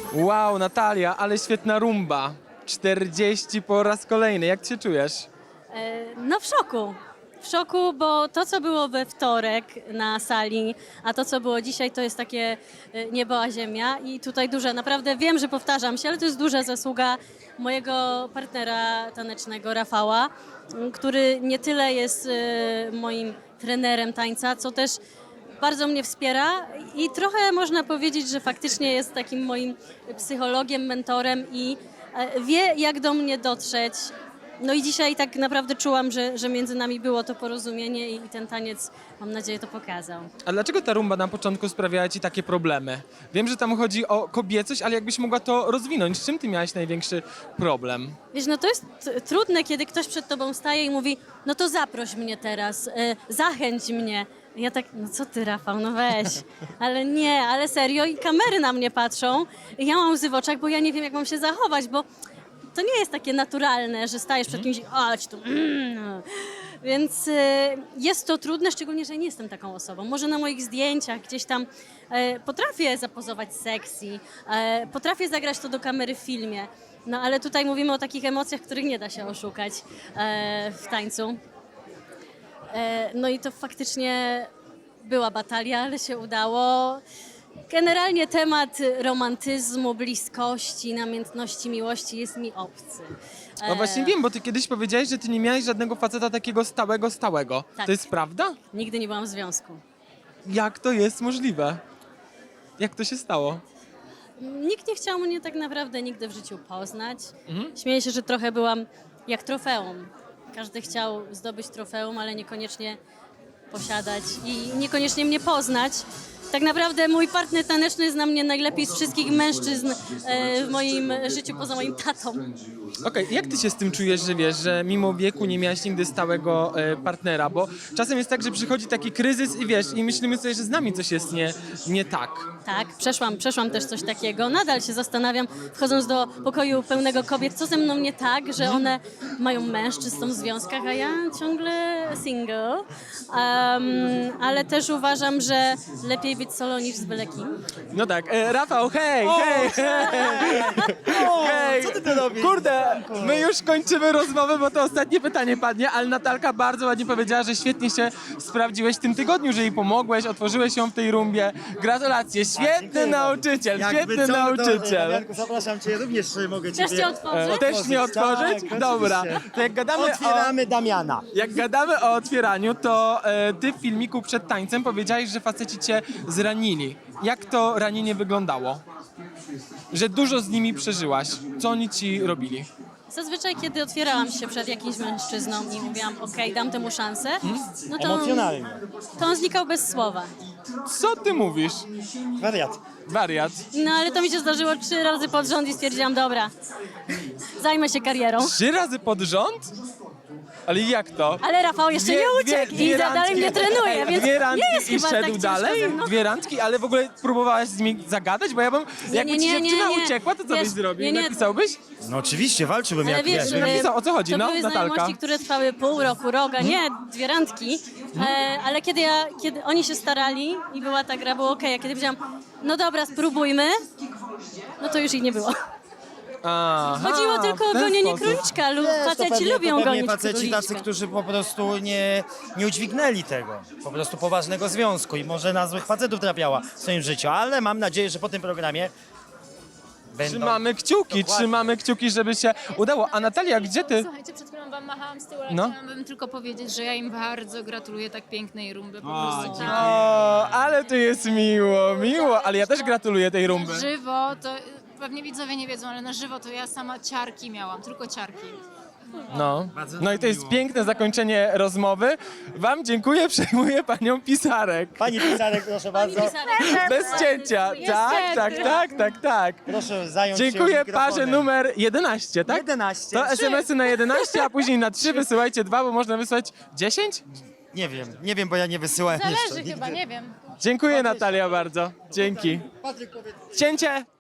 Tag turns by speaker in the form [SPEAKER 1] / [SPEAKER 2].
[SPEAKER 1] Wow, Natalia, ale świetna rumba. 40 po raz kolejny. Jak ty się czujesz?
[SPEAKER 2] No w szoku. W szoku, bo to, co było we wtorek na sali, a to, co było dzisiaj, to jest takie niebo a ziemia. I tutaj duża, naprawdę wiem, że powtarzam się, ale to jest duża zasługa mojego partnera tanecznego, Rafała, który nie tyle jest moim trenerem tańca, co też bardzo mnie wspiera i trochę można powiedzieć, że faktycznie jest takim moim psychologiem, mentorem i wie, jak do mnie dotrzeć. No i dzisiaj tak naprawdę czułam, że między nami było to porozumienie i ten taniec, mam nadzieję, to pokazał.
[SPEAKER 1] A dlaczego ta rumba na początku sprawiała ci takie problemy? Wiem, że tam chodzi o kobiecość, ale jakbyś mogła to rozwinąć. Z czym ty miałaś największy problem?
[SPEAKER 2] Wiesz, no to jest trudne, kiedy ktoś przed tobą staje i mówi, no to zaproś mnie teraz, zachęć mnie. Ja tak, no co ty, Rafał, no weź. Ale nie, ale serio i kamery na mnie patrzą i ja mam łzy w oczach, bo ja nie wiem, jak mam się zachować, bo to nie jest takie naturalne, że stajesz przed kimś i chodź tu. Więc jest to trudne, szczególnie, że nie jestem taką osobą. Może na moich zdjęciach gdzieś tam potrafię zapozować sexy, potrafię zagrać to do kamery w filmie, no ale tutaj mówimy o takich emocjach, których nie da się oszukać w tańcu. No i to faktycznie była batalia, ale się udało. Generalnie temat romantyzmu, bliskości, namiętności, miłości jest mi obcy.
[SPEAKER 1] No właśnie wiem, bo ty kiedyś powiedziałeś, że ty nie miałeś żadnego faceta takiego stałego.
[SPEAKER 2] Tak.
[SPEAKER 1] To jest prawda?
[SPEAKER 2] Nigdy nie byłam w związku.
[SPEAKER 1] Jak to jest możliwe? Jak to się stało?
[SPEAKER 2] Nikt nie chciał mnie tak naprawdę nigdy w życiu poznać. Śmieję się, że trochę byłam jak trofeum. Każdy chciał zdobyć trofeum, ale niekoniecznie posiadać i niekoniecznie mnie poznać. Tak naprawdę mój partner taneczny zna mnie najlepiej z wszystkich mężczyzn w moim życiu poza moim tatą.
[SPEAKER 1] Okej, jak ty się z tym czujesz, że wiesz, że mimo wieku nie miałaś nigdy stałego partnera? Bo czasem jest tak, że przychodzi taki kryzys i wiesz, i myślimy sobie, że z nami coś jest nie tak.
[SPEAKER 2] Tak, przeszłam też coś takiego. Nadal się zastanawiam, wchodząc do pokoju pełnego kobiet, co ze mną nie tak, że one mają mężczyzn, są w związkach, a ja ciągle single. Ale też uważam, że lepiej być solo niż z byle kim.
[SPEAKER 1] No tak, Rafał, hej! Hej!
[SPEAKER 3] Co ty tu robisz?
[SPEAKER 1] Kurde, my już kończymy rozmowę, bo to ostatnie pytanie padnie, ale Natalka bardzo ładnie powiedziała, że świetnie się sprawdziłeś w tym tygodniu, że jej pomogłeś, otworzyłeś ją w tej rumbie. Gratulacje, świetny
[SPEAKER 3] Dziękuję
[SPEAKER 1] nauczyciel,
[SPEAKER 3] bardzo.
[SPEAKER 1] świetny
[SPEAKER 3] Jakby co, to,
[SPEAKER 1] nauczyciel.
[SPEAKER 3] Janku, zapraszam cię, również mogę cię
[SPEAKER 2] Też cię otworzę?
[SPEAKER 1] Też mnie otworzyć?
[SPEAKER 3] Tak,
[SPEAKER 1] Dobra,
[SPEAKER 3] oczywiście.
[SPEAKER 1] to jak gadamy
[SPEAKER 3] Otwieramy Damiana.
[SPEAKER 1] Jak gadamy o otwieraniu, to ty w filmiku przed tańcem powiedziałeś, że faceci cię zranili. Jak to ranienie wyglądało? Że dużo z nimi przeżyłaś. Co oni ci robili?
[SPEAKER 2] Zazwyczaj, kiedy otwierałam się przed jakimś mężczyzną i mówiłam, okej, dam temu szansę, no to
[SPEAKER 3] Emocjonalnie.
[SPEAKER 2] on znikał bez słowa.
[SPEAKER 1] Co ty mówisz?
[SPEAKER 3] Wariat.
[SPEAKER 1] Wariat.
[SPEAKER 2] No ale to mi się zdarzyło 3 razy pod rząd i stwierdziłam, dobra, zajmę się karierą.
[SPEAKER 1] 3 razy pod rząd? Ale jak to?
[SPEAKER 2] Ale Rafał jeszcze nie uciekł i dalej mnie trenuje, więc
[SPEAKER 1] dwie randki
[SPEAKER 2] nie jest
[SPEAKER 1] i
[SPEAKER 2] chyba
[SPEAKER 1] szedł
[SPEAKER 2] tak ciężko
[SPEAKER 1] dalej?
[SPEAKER 2] ze mną.
[SPEAKER 1] 2 randki, ale w ogóle próbowałaś z nimi zagadać? Bo ja bym, jakby ci dziewczyna uciekła, to co
[SPEAKER 2] Wiesz,
[SPEAKER 1] byś zrobił?
[SPEAKER 2] nie, nie.
[SPEAKER 1] Napisałbyś?
[SPEAKER 3] No oczywiście, walczyłbym
[SPEAKER 2] Ale
[SPEAKER 3] jak
[SPEAKER 2] wiesz,
[SPEAKER 3] wiesz.
[SPEAKER 1] napisał, o co chodzi,
[SPEAKER 2] to
[SPEAKER 1] no,
[SPEAKER 2] były
[SPEAKER 1] Natalka?
[SPEAKER 2] znajomości, które trwały pół roku, roga, nie 2 randki, ale kiedy oni się starali i była ta gra, było okej, a kiedy powiedziałam, no dobra, spróbujmy, no to już ich nie było.
[SPEAKER 1] Aha,
[SPEAKER 2] Chodziło tylko o
[SPEAKER 1] w ten
[SPEAKER 2] gonienie
[SPEAKER 1] sposób.
[SPEAKER 2] króliczka, lub
[SPEAKER 3] Wiesz, to
[SPEAKER 2] faceci
[SPEAKER 3] pewnie-
[SPEAKER 2] lubią
[SPEAKER 3] to pewnie
[SPEAKER 2] gonić
[SPEAKER 3] faceci
[SPEAKER 2] króliczka.
[SPEAKER 3] tacy, którzy po prostu nie udźwignęli tego. Po prostu poważnego związku i może na złych facetów trafiała w swoim życiu, ale mam nadzieję, że po tym programie będą...
[SPEAKER 1] Trzymamy kciuki, żeby się udało. A Natalia, gdzie ty?
[SPEAKER 4] Słuchajcie, przed chwilą wam machałam z tyłu, ale
[SPEAKER 1] No.
[SPEAKER 4] chciałabym tylko powiedzieć, że ja im bardzo gratuluję tak pięknej rumby. Po prostu
[SPEAKER 1] O, ale to jest miło, ale ja też gratuluję tej rumby.
[SPEAKER 4] na żywo, to pewnie widzowie nie wiedzą, ale na żywo to ja sama ciarki miałam, tylko ciarki.
[SPEAKER 1] No i to jest piękne zakończenie rozmowy. Wam dziękuję, przejmuję panią Pisarek.
[SPEAKER 3] Pani Pisarek, proszę bardzo.
[SPEAKER 1] Bez cięcia. Tak.
[SPEAKER 3] Proszę zająć się
[SPEAKER 1] Dziękuję
[SPEAKER 3] mikrofonem.
[SPEAKER 1] parze numer 11, tak?
[SPEAKER 3] 11.
[SPEAKER 1] To SMS-y na 11, a później na 3 wysyłajcie 2, bo można wysłać 10?
[SPEAKER 3] Nie wiem, bo ja nie wysyłałem jeszcze.
[SPEAKER 4] Zależy chyba, nie wiem.
[SPEAKER 1] Dziękuję Natalia bardzo. Dzięki.
[SPEAKER 3] Patryk, powiedz.
[SPEAKER 1] Cięcie!